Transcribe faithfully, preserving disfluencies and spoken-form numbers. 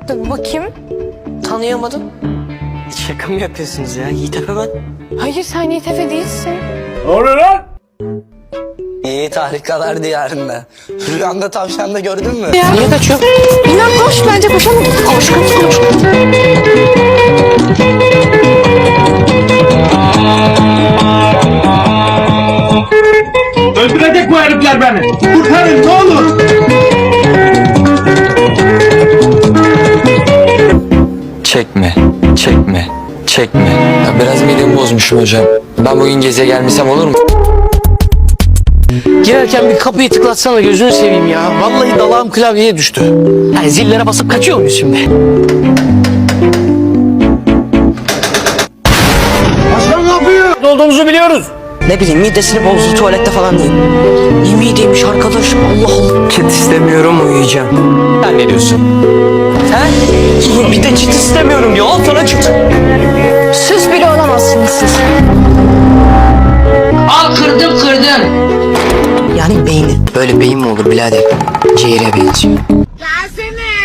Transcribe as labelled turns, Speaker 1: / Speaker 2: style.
Speaker 1: Bakayım. Tanıyamadım.
Speaker 2: Şaka mı yapıyorsunuz ya? Yiğit Efe ben.
Speaker 1: Hayır, sen Yiğit Efe değilsin.
Speaker 3: Ne oluyor lan?
Speaker 2: Yiğit harikalar diyarında. Rüyanda tavşanda gördün mü?
Speaker 1: Ya. Niye kaçıyor? İnan koş, bence koşalım. Koş koş koş.
Speaker 3: Öldürecek bu herifler beni. Kurtarın ne olur.
Speaker 4: Çekme, çekme, çekme. Ya biraz midemi bozmuşum hocam. Ben bugün geziye gelmesem olur mu?
Speaker 5: Girerken bir kapıyı tıklatsana, gözünü seveyim ya. Vallahi dalağım klavyeye düştü. Yani zillere basıp kaçıyor muyuz şimdi?
Speaker 3: Başkan ne yapıyor?
Speaker 5: Ne olduğumuzu biliyoruz.
Speaker 2: Ne bileyim midesini bozdu tuvalette falan değil. İyi mideymiş arkadaş, Allah Allah.
Speaker 4: Çit istemiyorum, uyuyacağım. Sen ne diyorsun?
Speaker 2: He? Bir de çit istemiyorum diyor, al sana çit.
Speaker 1: Süs bile olamazsınız siz.
Speaker 6: Al kırdım kırdım.
Speaker 2: Yani beyni.
Speaker 4: Böyle beyin mi olur birader? Ciğere benziyor.
Speaker 6: Gelsene.